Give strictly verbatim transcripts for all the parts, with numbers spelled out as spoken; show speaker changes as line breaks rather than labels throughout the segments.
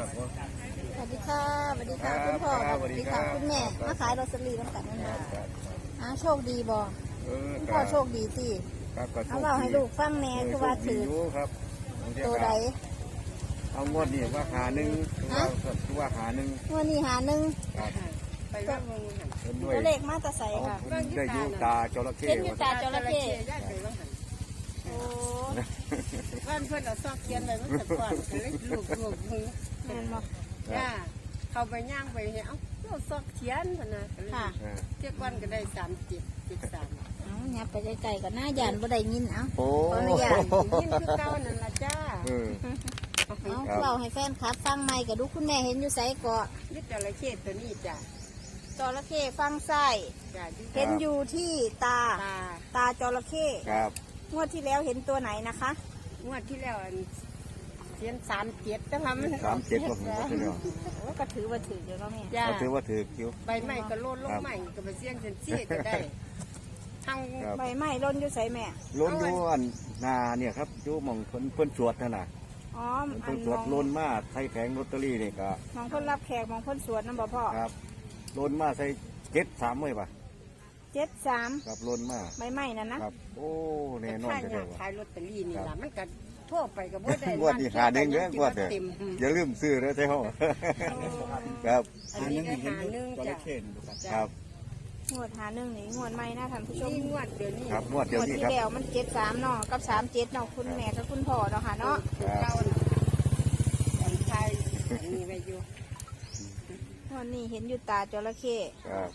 ครับผม
สวัสดีค่ะสวัสดีค่ะคุณพ่อสวัสดีค่ะคุณแม่มาขายลอตเตอรี่ตั้งแต่นั้นนะอ่าโชคดีบ่คุณพ่อโชคดีสิเอาเราให้ลูกฟังแน่คือว่าถือ
ครับ
ตัวใด
เอางวดนี่ว่าหาหนึ่งคือว่าหาหนึ่ง
งวดนี้หาหนึ่ง
ไปว่าเมืองหัน
ตัวเลขมาตะใสค่ะ
ได้ยูตาจระเข้
เห็นอยู่ตาจระเข้
โอ้บ้านเพื่อนเราซอกเขียนเลยมันแต่ก่อนเลยลูกลูกมือ
แม่นบ่
จ้าเขาไปย่างไปเนี่ยเอ้าเราซอกเขียนพนะค่ะเจ้าก้อนก็ได้สามจิตจิตสาม
เอาเนี่ยไปไกลๆกับหน้าหยานบ่ได้ยินเอ้า
โอ้
ยาน
ยินคือเก้านั่นละจ้า
เอาเราให้แฟนครับฟังใหม่กับดูคุณแม่เห็นอยู่ไสเกาะ
นี่จระเข้ตัวนี้จ้า
จระเข้ฟังไส้เห็นอยู่ที่ตาตาจระเข้
ครับ
งวดที่แล้วเห็นตัวไหนนะคะ
งวดที่แล้วเขียนสามเจ็ดแต่ว่ามัน
สามเจ็ดก็ถือว่าถือ
ก็ถือว่าถือเดี๋ยวเราแม่
ก็ถือว่าถือคิว
ใบไม้ก็โลดลงใหม่ก็ไปเสี่ยงเซนซี่ก็ได้ทั้ง
ใบไม้ล้นอยู่ใส่แม่
ล้นอยู่อันนาเนี่ยครับอยู่มองเพิ่นเพิ่นสวดนั่นน่ะ
อ๋อ
เพิ่นสวดล้นมาใส่แผงลอตเตอรี่นี่ก็
มองเพิ่นรับแขกมองเพิ่นสวดนั่นบ่พ่อ
ครับล้นมาใส่เจ็ดสามเลยป่ะ
เจ็ดสาม
ครับล้นมา
ใบไม้นั่นนะครับ
โอ้แน่นอน
เลยว่าขายลอตเตอรี่นี่ล่ะมันก็ทั่วไปก็บ่ได้
งวดที่หาหนึ่งเด้องวดเด้ออย่าลืมซื้อนะใช่ห้องครับ
อันนี้ก็หาหนึ่งจ้ะ
ครับ
งวดหาหนึ่งนี่งวดใหม่นะท่านผู้ชม
งวดเดี๋ยวนี้
ครับงวดเดี๋ยวนี้
ครับที่แล้วมันเจ็ดสามเนาะกับสามเจ็ดเนาะคุณแม่กับคุณพ่อเนาะค่ะเนาะ
เก้าอันไทยอันนี้ไปอยู่
งวดนี้เห็นอยู่ตาจระเข้
ครับ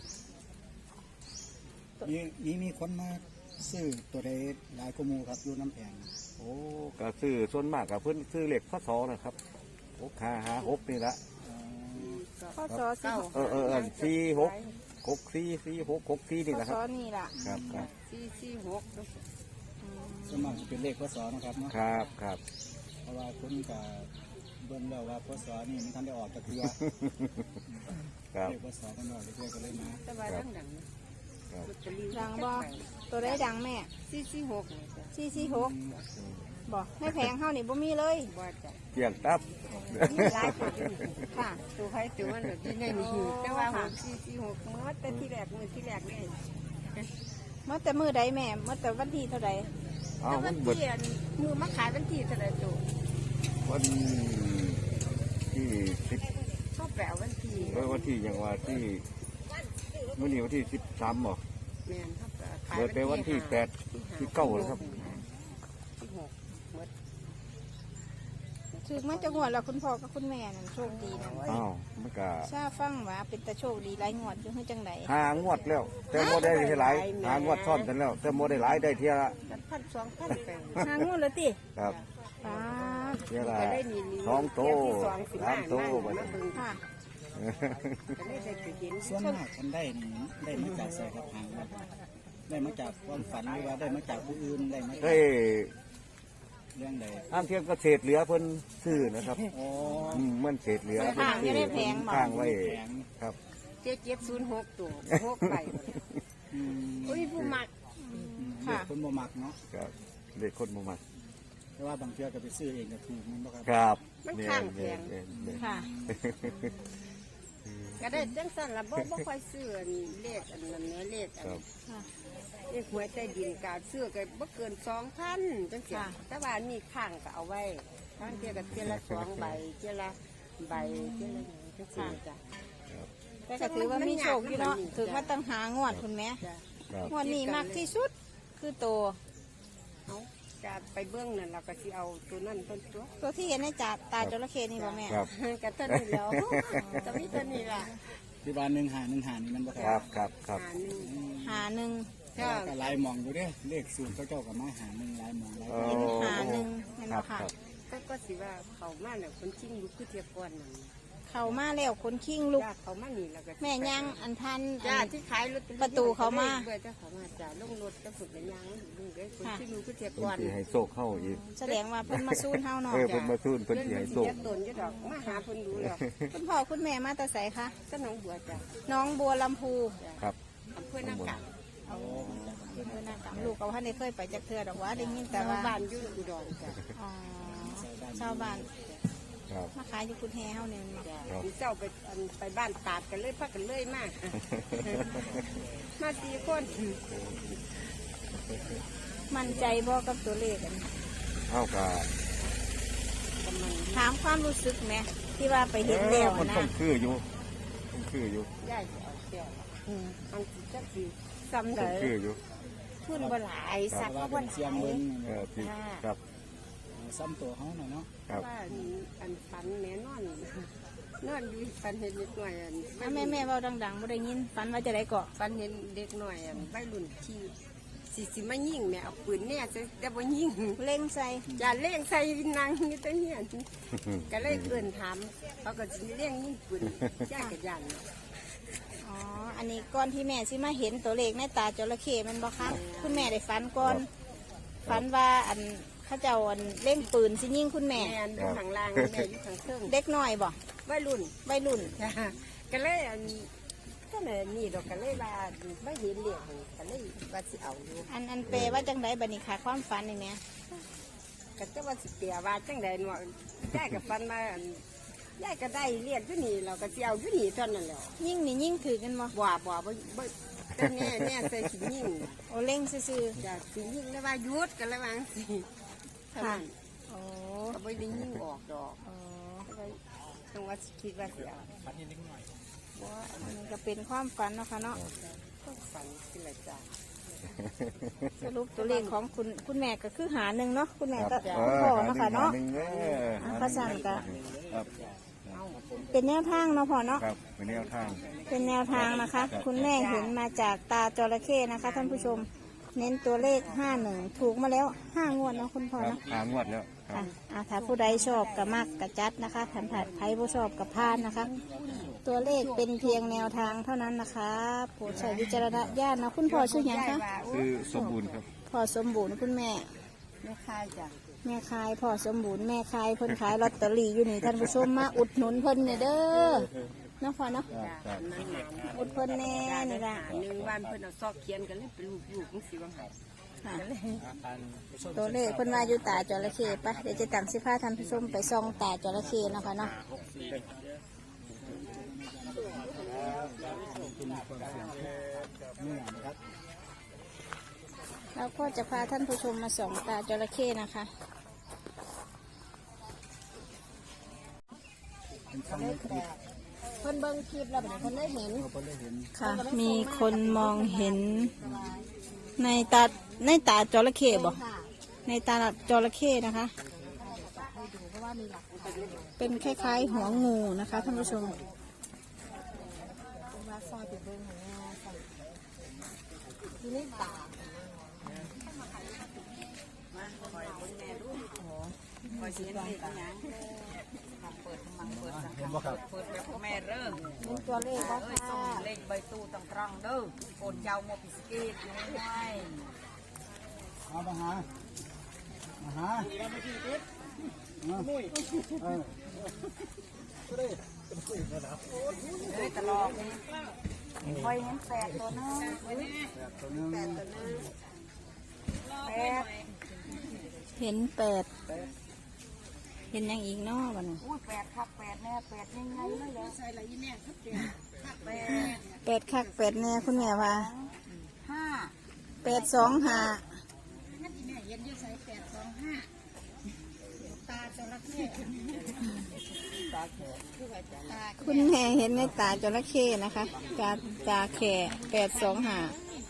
มีมีมีคนมาซื้อตัวใดหลายกมูครับอยู่น้ำแข็ง
โอ้ก็ซื้อส่วนมากกับเพื่อนซื้อเหล็กข้อสอนะครับหกห้าห้าหกนี่ละ
ข้อสอสี่
เออเออสี่หกหกสี่สี่หกหกสี่นี่แหละครับ
ข้อสอนี่แหละ
ครับครับ
สี่สี่หก
ส่วนมากจะเป็นเลขข้อสอนะครับเนาะ
ครับครับ
เพราะว่าคุณกับเบิ่งแล้วว่าข้อสอนี่มันทันได้ออกจากเรือเลขข้อสอมันออกจากเรือก็เลยมา
แต่ว่าดังดัง
ดังบ่ตัวได้ดังแม่
สี่สี่หก
สี่สี่หกบ่ไม่แพงเท่านี่บ่มีเลย
เกี่ยงตับ
ค่ะ
ตัวใครตัวมันแบบที่ในนี้แต่ว่าหกสี่สี่หกเมื่อแต่ที่แรกมือที่แรกเลย
เมื่อแต่มือใดแม่เมื่อแต่วันที่เท่าใด
วันที่มือมาขายวันที่เท่าใดตัว
วันที่สิบ
ก็แปลวันที่
วันที่อย่างว่าที่มื่อนี้วันที่สิบสามหรอเปิดไปวันที่แปดที่เก้าเลยครับ
ถือมันจะงวดแล้วคุณพ่อกับคุณแม่นั่นโชคดีนะ
อ้าวมันก็
ชาฟังว่าเป็นตาโชคดีหลายงวดอยู่ให้จังได
หางวดแล้วแต่โมได้ที่หลายหางวดซ่อนกันแล้วแต่โมได้หลายได้เท่าละ
พันสองพันแปด
หางวดเลยติ
ครับเท่าละสองโตสามโตไป
ค่ะ
ส่วนมากคนได้นี่ได้มาจากใส่กระถางได้มาจากความฝันหรือว่าได้มาจากผู้อื่นได้มาจากเรื่องใด
อ้างเทียมก็เศษเหลือเพิ่นซื้อนะครับอ๋อมันเศษเหลือ
เพิ่นซื้อ
ข้างไว้ครับ
เจ็ดเจ็ดศูนย์หกตัวหกใบอุ้ยผู้มัก
ค่ะคนบ่มักเนาะ
ครับเด็กคนบ่มัก
แต่ว่าบางเทื่อก็ไปซื้อเองก็ถูกมันบ่ครับ
ครับ
มันข้างแพง
ค่ะ
ก็ได้จังสั่นละบ่บ่ค่อยซื้อเลขอันนั้นเลขอันเลขหวยใต้ดินกาซื้อก็บ่เกินสองพันจังซี่แต่ว่านี่ข้างก็เอาไว้ข้างเทียกับเทียละสองใบเทียละใบเทียละจังซี่จ้ะ
แต่ก็ถือว่ามีโชคอยู่เนาะถือว่าตั้งหางวดคุณแม่งวดนี้มากที่สุดคือโต
เอาจะไปเบื้องนั่นเราก็สิเอาตัวนั่นต้นตัว
ตัวที่เห็นในจ่าตาจระเข้นี่บ่แม่
กับตัวนี้แล้วจะมีตัวนี้ล่ะ
ที่บ้านหนึ่งหาหนึ่งหานี่มันบ่
ครับครับครับ
หาหนึ่ง
ก็ลายมองอยู่เด้เลขศูนย์เขาเจ้ากับมาหาหนึ่งลายมองลาย
หาหนึ่งเห็นไหมค่ะ
ก็ก็สิว่าเขามาเนี่ยคนชิงลุกขึ้นเทียบก่อนนั่น
เขามาแล้วคนคิงลุก
เขามาหนีแล้วก็
แม่ย่างอันทัน
จ้าที่ขายรถ
ประตูเขามา
เบื่อเจ้าเขามาจ้าลงรถก็ฝึกกันย่างลุงเลยคนชิงลุกขึ้นเทียบก่อน
ให้โซกเข้าอีก
แสดงว่าเพิ่นมาสู้เฮาเนาะ
เออเพิ่นมาสู้เพิ่นสิให้โซก
ตนจะดอกมาหาเพิ่นดูแล้ว
คุณพ่อคุณแม่มาแต่ไสคะ
ก็น้องบัวจ้า
น้องบัวลำพู
ครับ
อำเภอหน้ากาก
อำเภอหน้ากากลูกเขาท่านได้เคยไปจักเทื่อดอกว่าได้ยินแต่ว่า
บ้านอยู่อุดรจ้า
อ๋อชาวบ้าน
ครับ
มาขายอยู่คุณแฮเฮาเนี่ย
ครับ
พี่เจ้าไปอันไปบ้านตาดกันเลยพักกันเลยมาก มาสี่คน
มั่นใจบ่กับตัวเลขอันนี้
เอากะ
ถามความรู้สึกไหมที่ว่าไปเห็นแล้ว
มัน
นะ
ต้องคืออยู่ต้องคืออยู่
ย่ายจะเอาแก้วอันสิจักสิซ้ำ
ต้
ได้
องคืออยู่
ทุนบ่หลายสัก
ว่า
ก็
เป็
บ่
น
ห
เสีย
ลาง ย
เบิ้ง
เออที่ครับ
ซ้ำตัวเขาหน่อยเนาะ
ครับ
ว่าอันฝันแน่นอนนอนอยู่ฝันเห็นเด็กหน่อยอัน
อ่ะแม่แม่เว้าดังๆบ่ได้ยินฝันว่าจะได้เกาะ
ฝันเห็นเด็กหน่อยอันวัยรุ่นที่สิสิมายิงแม่เอาปืนเนี่ยจะแต่บ่ยิง
เล่งใส่
อย่าเล่งใส่นางอยู่แต่เนี่ยก็เลยเกินถามเขาก็สิเล่งยิงปืนย่ากับยัน
อ๋ออันนี้ก่อนที่แม่สิมาเห็นตัวเลขในตาจระเข้แมันบ่คะคุณแม่ได้ฝันก่อนฝันว่าอันเขาเจ้าอันเล่งปืนสิยิงคุณแม่
แม่อยู่ข้างล่างแม่อยู่ข้างเครื่อง
เด็กน้อยบ่
วัยรุ่น
วัยรุ่น
จ้ะก็เลยอันก็เลยนี่ดอกก็เลยว่าไม่เห็นเหลี่ยมก็เลยว่าสิเอาอยู่
อันอันเปลว่าจังไดบัดนี้ค่ะความฝันนี่แม่
ก็จะว่าสิเปียว่าจังใดเนาะยายกับฟันมาอันยายก็ได้เรียกอยู่นี่เราก็สิเอาอยู่นี่เท่านั้นแหละ
ยิ่งนี่ยิ่งถือกันบ่
บ่บ่บ่บ่แต่แม่แม่ใส่สิยิ่ง
โอเล่งซื่อ
จะสิยิ่งแล้วว่าหยุดกันแล้วว่าสิเท่านั้น
ๆโอ้
ก็บ่ได้ยิ่งออกดอก
โอ้
ต้องว่าสิคิดว่าสิเอา
บ่อันนี้ก็เป็นความฝันเนาะค่ะเนาะ
ก็ฝันสิละจ้ะ
สรุปตัวเลขของคุณคุณแม่ก็คือหาหนึ่งเนาะคุณแม่
ครั
ก็
บ
คุณพ่อเนาะค่ะเนาะ
หนึ่งเด้อ
อ่ะก็สั่งก็
ครับ
เป็นแนวทางเนาะพ่อเนาะ
ครับเป็นแนวทาง
เป็นแนวทางนะคะ คุณแม่เห็นมาจากตาจระเข้นะคะท่านผู้ชม เน้นตัวเลขห้าหนึ่งถูกมาแล้วห้างวดเนาะคุณพ่อ
ครับ
เนาะ
หางวดแล้วครั
ค่ะ
บ
อ่ะถ้าผู้ใดชอบกับมักกับจัดนะคะถันผัดไพ่ผู้ชอบกับพานนะคะ ตัวเลขเป็นเพียงแนวทางเท่านั้นนะคะโปรดใช้วิจารณญาณนะคุณพ่อชื่อหยังคะ
คือสมบูรณ์ครับ
พ่อสมบูรณ์คุณแม่
ไม่คายจ้ะ
แม่คายพ่อสมบูรณ์แม่คายเพิ่นขายลอตเตอรี่อยู่นี่ท่านผู้ชมมาอุดหนุนเพิ่นเนี่ยเด้อเนาะพ่อเนาะ
ครับครับ
นั่นน่ะ
อุดเพิ่นแน่นี่ล่ะ
หนึ่งวันเพิ่นเอาซอกเขียนกันเลยเป็นลูกลูกๆจังสิว่าไง
ค่ะตัวเลขเพิ่นว่าอยู่ตาจระเข้ปะเดี๋ยวจะตั้งสิพาท่านผู้ชมไปส่องตาจระเข้เนาะค่ะเนาะ
เนี่ยนะครับ
แล้วก็จะพาท่านผู้ชมมาส่องตาจระเข้นะคะ
เป็นฟังในคลิป
เพิ่นเบิ่งคลิปแล้วเพิ่นได้เห็น
เขาก็เลยเห็น
ค่ะ มีคนมองเห็นในตาในตาจระเข้บ่ในตาจระเข้นะคะ เป็นคล้ายๆหัวงูนะคะท่านผู้ชม
ทีนี้ตา
เห็นบ่ครับ
เปิดไปพ่อแม่เริ่ม
เป็นตัวเลขว่า
เอ้ยส่งเลขใบตู้ตังตรังเด้อโอนเจ้าโมปิสกีดน้อย
เอามาหามาหาเออเออ
เอ้ยตลอดนี่คอยเห็นแปดตัวนึง
ตัวหนึง
แปด
เห็นแปดเห็นยังอีกเนาะวันนี้
อุ้ยแปดครับแปดแน่แปดยังไงเลยเหรอใส่ละยี่แม่ครับแปด
แปดคักแปดแน่คุณแม่ว่า
ห้า
แปดสองห้าคุณแม่เห็นในตาจระเข้นะคะตาตาแข่แปดสองห้า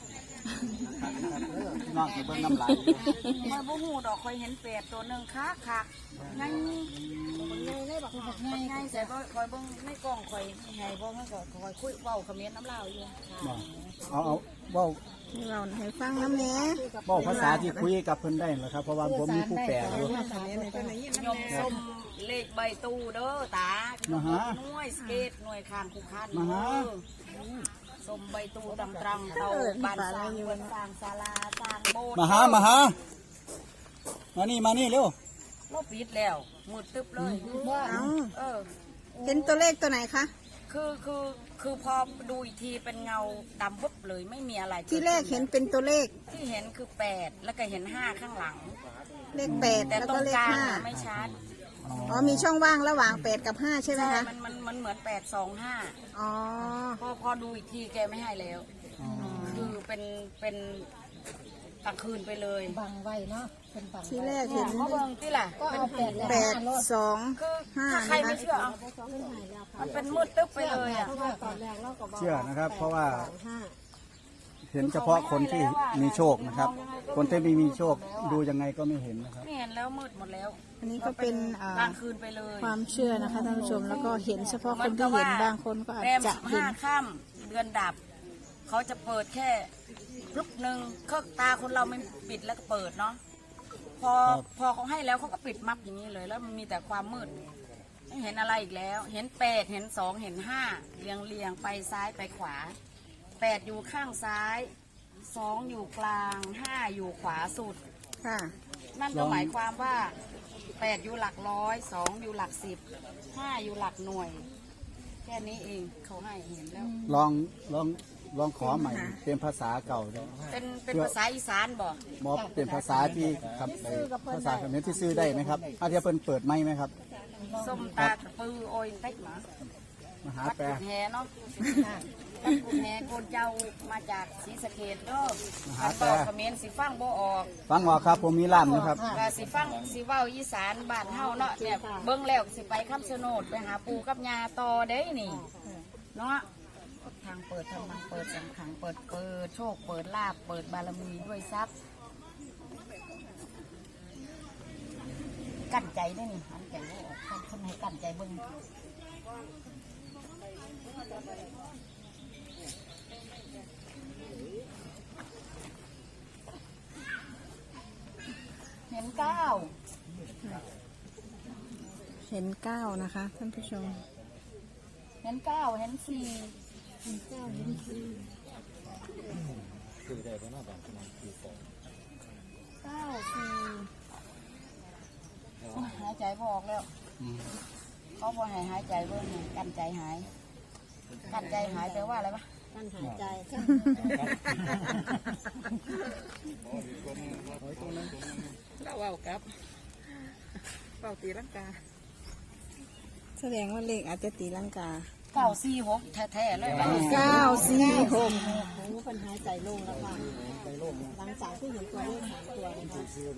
นอกจากเบิ่งน้ำลาย
คอยบ่หูดอกคอยเห็นแปดตัวหนึ่งคักคักไงไงเลยบอกไงไงใส่บ่คอยเบิ่งในกล้องคอยไงบ่มันก็คอยคุยเว้าเขมิ้นน้ำลาวอยู่
บ่เอาเอาเว้า
ให้เราให้ฟังน้ำเนี้ย
เว้าภาษาที่คุยกับเพิ่นได้เหรอครับเพราะว่าผมมีผู้แปลอยู่
ยมส้มเลขใบตู้เด้อตา
มาหา
หน่วยสเกตหน่วยคานคูคัน
มาหา
ส้มใบตู้ตำตรังเตาบ้านสร้างเรือนสร้างศาลาสร้างโบสถ์
มาหามาหามานี่มานี่เร็ว
เราปิดแล้วมืดตึ๊บเลย
เอา
เออ
เห็นตัวเลขตัวไหนคะ
คือคือคือพอดูอีกทีเป็นเงาดำปุ๊บเลยไม่มีอะไร
ที่แรกเห็นเป็นตัวเลข
ที่เห็นคือแปดแล้วก็เห็นห้าข้างหลัง
เลขแปด
แต่
แล้ว
ตร
ก็
ง
เล
ก
ข
ลาง
ห้า
น่ะไม่ชัด
อ๋อมีช่องว่างระหว่างแปดกับห้าใช่ไหม
ใช่
คะ
มันมันมันเหมือนแปดสองห้า
อ๋อ
พอพอดูอีกทีแกไม่ให้แล้ว คือเป็นเป็นกลางคืนไปเลย
บังไว้เนาะเป็นบัง
ที่แรกเห็น
เพราะเบิ่งที่ล่ะ
ก็เอาแปด
แปดสอง
คือ
ห้า
ถ้าใคร
นะ
ไม่
คะ
เชื่อเอามันเป็นมืดตึ๊บไปเลยอ่ะ
เพราะว่าตอนแรกเราก็บอก
เชื่อนะครับ เพราะว่า
ห้า
เห็นเฉพาะคนที่มีโชคนะครับ คนที่ไม่มีโชคดูยังไงก็ไม่เห็นนะครับ
ไม่เห็นแล้วมืดหมดแล้ว
อันนี้ก็เป็นอ่าก
ลางคืนไปเลย
ความเชื่อนะคะท่านผู้ชมแล้วก็เห็นเฉพาะคนที่เห็นบางคนก็อาจ
แรม
จะ
สิบ
เห็
ห้าน ค่ำเดือนดับ เขาจะเปิดแค่ลุกหนึ่งเครื่องตาคนเราไม่ปิดแล้วก็เปิดเนาะพอพอเขาให้แล้วเขาก็ปิดมับอย่างนี้เลย แล้วมันมีแต่ความมืดไม่เห็นอะไรอีกแล้ว เห็นแปดเห็นสองเห็นห้าเรียงเรียงไปซ้ายไปขวาแปดอยู่ข้างซ้ายสองอยู่กลางห้าอยู่ขวาสุด
ค่ะ
นั่นก็หมายความว่าแปดอยู่หลักร้อยสองอยู่หลักสิบห้าอยู่หลักหน่วย แค่นี้เองเขาให้เห็นแล้ว
ลองลองลองขอใหม่เป็นภาษาเก่าด้วย
เป็นเป็นภาษาอีสานบอก
มอบเป็นภาษาที่ครับไอ้ภาษาเขมรที่ซื้อได้ไหมครับอาจจะเพิ่นเปิดไหมไหมครับ
ส้มตาตะปือโอยเต็กหมา
มาหา
วัด
แปล
กุดแฮเนาะวัดกุดแฮโกนเจ้ามาจากศรีสะเกษเด้อคันบอกเขมรสิฟังบ่ออก
ฟังหมอครับผมมีร้านนะครับ
ว่าสิฟังสิเว้าอีสานบ้านเฮาเนาะเนี่ยเบิ่งแล้วสิไปคำชะโนดไปหาปู่กับย่าต่อเด้นี่เนาะทางเปิดทางมังเปิดสังขังเปิดเปิดโชคเปิดลาบเปิดบารมีด้วยทรัพย์กั้นใจได้นี่หันใจบ่ออกคนคนให้กั้นใจเบิ่งเห็นเก้า
เห็นเก้านะคะท่านผู้ชม
เห็นเก้าเห็นสี่
เก้าเห็นสี่
เก้าสี่หายใจพอออกแล้วเขาพอหายหายใจเบิ่งนี่กั้นใจหาย กั้นใจหายแปลว่าอะไรปะ
การหายใจ
เราเอากับเป่าตีลังกา
แสดงว่าเลขอาจจะตีลังกา
เก้าสี่หกแท้ๆเลย
เก้าสี่หก
โอ้เป็นหายใจโล่งแล้วค่ะหลังจากที่เห็นตัวเลขสามตัวนะคะ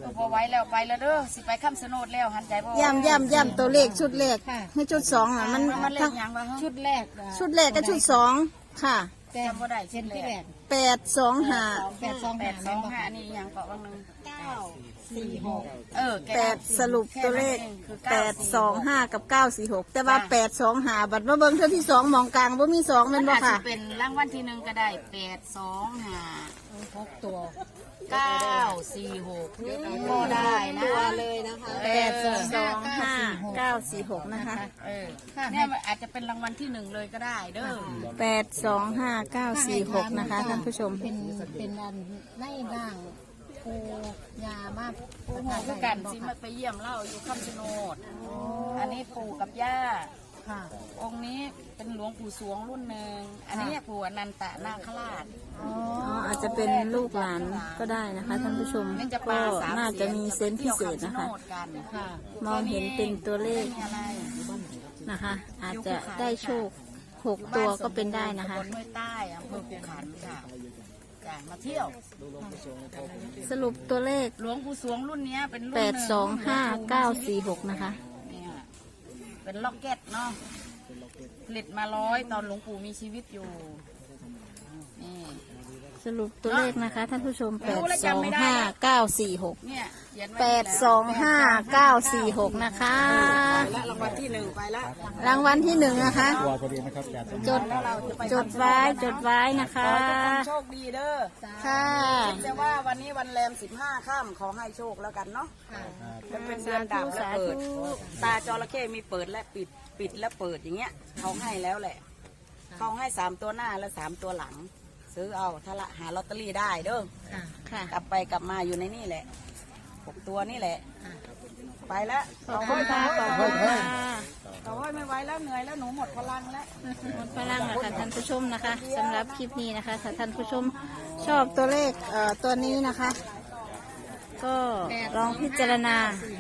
ก็พอไว้แล้วไปแล้วเด้อสิไปคำสนดแล้วหันใจบ่
ย่ำย่ำย่ำตัวเลขชุดแรกให้ชุดสองอ่ะมัน
มันเล่
ทั้
น
ง
ยังวะ
ชุดแรก
ชุดแรกกับชุดสองค่ะ
แต่
จำบ่ได้
เช่นที่แรก
แปดสองห้า
แปดสอง
แป
ห้า
ดสองห้านี่ยังเกาะบางนึง
เก้าสี่หก
เออ
แปดสรุปตัวเลขแปดสองห้ากับเก้าสี่หกแต่ว่าแปดสองห้าบัตรมาเบิ้งเท่าที่สองมองกลางว่ามีสอง
มั
เป็น น
บ่
บ่
ค่ะ
ค่ะ
เป็นรางวัลที่หนึ่งก็ได้แปดสองห้า
หกตัว
เก้าสี่หกก็ได้นะ
ตัวเลยนะคะ
แปดสองห้าเก้าสี่หกนะคะ
เออเนี่ยมันอาจจะเป็นรางวัลที่หนึ่งเลยก็ได้เด้อ
แปดสองห้าเก้าสี่หกนะคะท่านผู้ชม
เป็นเป็นอันในร่างปูยามา
ปู่คือกันสิมาไปเยี่ยมเล่าอยู่คำชะโนดอันนี้ปู่กับย่า
ค่ะ
องค์นี้เป็นหลวงปู่สวงรุ่นหนึ่งอันนี้ปู่อนันตนาคราช
อ๋ออาจจะเป็นลูกหลานก็ได้นะคะท่านผู้ชม
นี่จะ
ก็
ปาสาม
น่าจะมีเซนส์พิเศษนะคะ
ค่ะ
มองเห็นเป็นตัวเลข
มีอะไร
นะคะ อาจจะได้โชคหกตัวก็เป็นได้นะคะ
ตำบลห้วยใต้อำเภอภูขันค่ะจ้ะมาเที่ยว
สรุปตัวเลข
หลวงปู่สวงรุ่นเนี้ยเป็นรุ่น
แปดสองห้าเก้าสี่
ห
หกนะคะ
เนี่ยเป็นล็อกเก็ตเนาะผลิตมาร้อยตอนหลวงปู่มีชีวิตอยู่นี่
สรุปตัวเลขนะคะท่านผู้ชมแปดสองห้าเก้าสี่หก
เนี่ยเขียนไว้
แปดสองห้าเก้าสี่หกนะคะ
และรางวัลที่หนึ่งไปแล้ว
รางวัลที่หนึ่งนะคะ
ตัวพอดีนะครับจาก
จดจดไว้จดไว้นะ
ข
คะ
อให้ทุกคนโชคดีเด้อ
ค่ะ
แต่ว่าวันนี้วันแรมสิบห้าค่ำขอให้โชคแล้วกันเนาะมันเป็นเดือนดับและเปิด ตาจระเข้มีเปิดและปิดปิดและเปิดอย่างเงี้ยเขาให้แล้วแหละเขาให้สามตัวหน้าและสามตัวหลัง ซื้อเอาถ้าละหาลอตเตอรี่ได้เด้อ
ค่ะ
กลับไปกลับมาอยู่ในนี่แหละหกตัวนี่แหละ ไปแล้ว
ขอบคุณค่ะขอบคุณค่ะ
เขาห้อยไม่ไหวแล้วเหนื่อยแล้วหนูหมดพลังแล้ว
หมดพลังนะคะท่านผู้ชมนะคะสำหรับคลิปนี้นะคะถ้าท่านผู้ชมชอบตัวเลขเอ่อตัวนี้นะคะ ก็ลองพิจารณา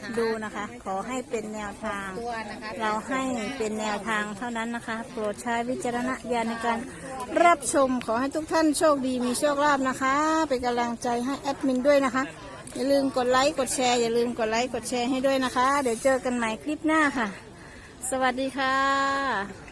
ดูนะคะ ขอให้เป็นแนวทาง
ตัวนะคะ
เราให้เป็นแนวทางเท่านั้นนะคะ โปรดใช้วิจารณญาณในการรับชมขอให้ทุกท่านโชคดีมีโชคลาภนะคะ เป็นกำลังใจให้แอดมินด้วยนะคะ อย่าลืมกดไลค์กดแชร์อย่าลืมกดไลค์กดแชร์ให้ด้วยนะคะ เดี๋ยวเจอกันใหม่คลิปหน้าค่ะ สวัสดีค่ะ